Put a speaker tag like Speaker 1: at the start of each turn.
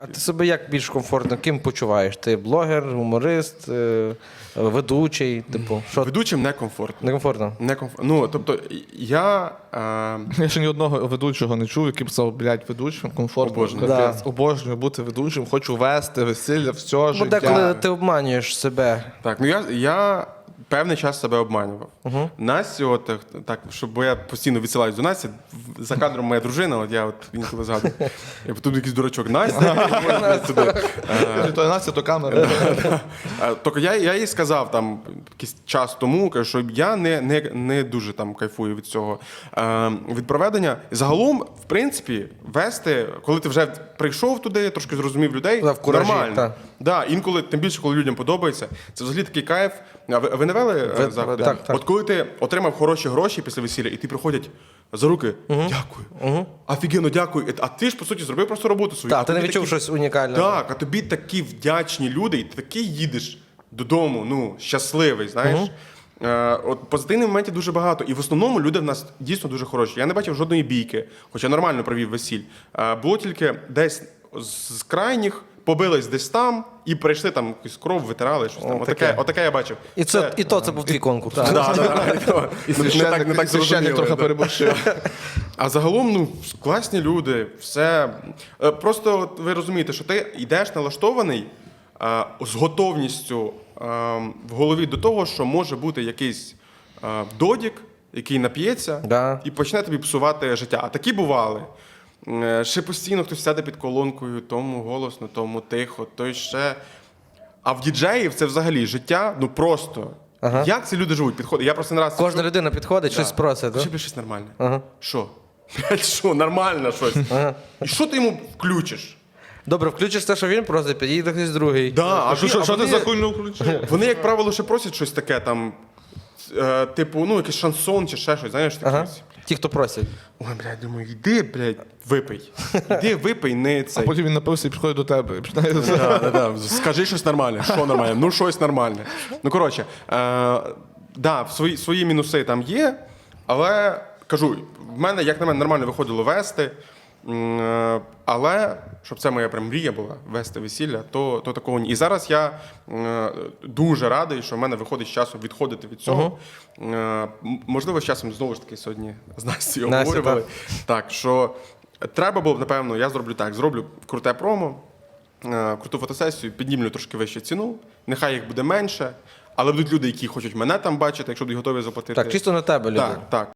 Speaker 1: А ти себе як більш комфортно, ким почуваєш? Ти блогер, гуморист, ведучий, типу, що?
Speaker 2: Ведучим некомфортно.
Speaker 1: Некомфортно?
Speaker 2: Ну, тобто, я...
Speaker 3: Я ще ні одного ведучого не чув, який б сказав, блядь, ведучим, комфортно.
Speaker 2: Обожнюю.
Speaker 3: Капець. Обожнюю бути ведучим, хочу вести весілля, все
Speaker 1: Бо
Speaker 3: життя.
Speaker 1: деколи ти обманюєш себе.
Speaker 2: Так, ну я певний час себе обманював. Насті, от, так, бо я постійно відсилаюсь до Насті, за кадром моя дружина, от я інколи згадую. Я потім якийсь дурачок, Настя, туди.
Speaker 3: То Настя, то камера.
Speaker 2: Тільки я їй сказав там якийсь час тому, кажу, що я не дуже там кайфую від цього від проведення. Загалом, в принципі, вести, коли ти вже прийшов туди, трошки зрозумів людей,
Speaker 1: В куражі,
Speaker 2: нормально.
Speaker 1: так.
Speaker 2: Да, інколи, тим більше, коли людям подобається, це взагалі такий кайф. А ви не вели заходи?
Speaker 1: Так, так.
Speaker 2: От коли ти отримав хороші гроші після весілля, і ти приходять за руки, дякую, офігенно, дякую. А ти ж, по суті, зробив просто роботу свою.
Speaker 1: Так,
Speaker 2: А
Speaker 1: ти не
Speaker 2: тобі
Speaker 1: відчув
Speaker 2: такі-
Speaker 1: щось унікальне.
Speaker 2: Так, а тобі такі вдячні люди, і ти такий їдеш додому, ну, щасливий, знаєш. От позитивних моментів дуже багато. І в основному люди в нас дійсно дуже хороші. Я не бачив жодної бійки, хоча нормально провів весіль. Було тільки десь з крайніх, побились десь там і прийшли там якусь кров, витирали, щось там. Отаке я бачив.
Speaker 1: І це був твій конкурс.
Speaker 3: І священник
Speaker 2: зрозуміло,
Speaker 3: трохи
Speaker 2: да.
Speaker 3: переборщив.
Speaker 2: А загалом, ну, класні люди, все. Просто от ви розумієте, що ти йдеш налаштований з готовністю в голові до того, що може бути якийсь додік, який нап'ється
Speaker 1: Да.
Speaker 2: і почне тобі псувати життя. А такі бували. Ще постійно хтось сяде під колонкою, тому голосно, тому тихо, той ще. А в діджеїв це взагалі життя, ну просто. Як ці люди живуть? Підходить. Я просто не раз
Speaker 1: Кожна людина підходить, щось просить.
Speaker 2: Ще
Speaker 1: так?
Speaker 2: б щось нормальне. Що? Блядь, що? Нормально щось. І що ти йому включиш?
Speaker 1: Добре, включиш те, що він просить, підійде хтось другий.
Speaker 2: Да, а
Speaker 3: Що ти
Speaker 2: вони-
Speaker 3: за хуйню включив?
Speaker 2: Вони, як правило, ще просять щось таке там, типу, ну, якийсь шансон чи ще щось, знаєш, таке.
Speaker 1: Ага. Ті, хто просять.
Speaker 2: Ой, блядь, думаю, йди, блядь, випий. Іди, випий, не цей.
Speaker 3: Потім він напився і підходить до тебе. І починає
Speaker 2: Да. Скажи щось нормальне. Що нормальне? Ну, щось нормальне. Ну, коротше, да, свої мінуси там є, але, кажу, в мене, як на мене, нормально виходило вести, але, щоб це моя прям мрія була, вести весілля, то такого ні. І зараз я дуже радий, що в мене виходить з часом відходити від цього. Можливо, з часом, знову ж таки, сьогодні з Настю обговорювали. Так, що треба було б, напевно, я зроблю так, зроблю круте промо, круту фотосесію, піднімлю трошки вищу ціну, нехай їх буде менше, але будуть люди, які хочуть мене там бачити, якщо будуть готові заплатити.
Speaker 1: Так, чисто на тебе, люди.
Speaker 2: Так.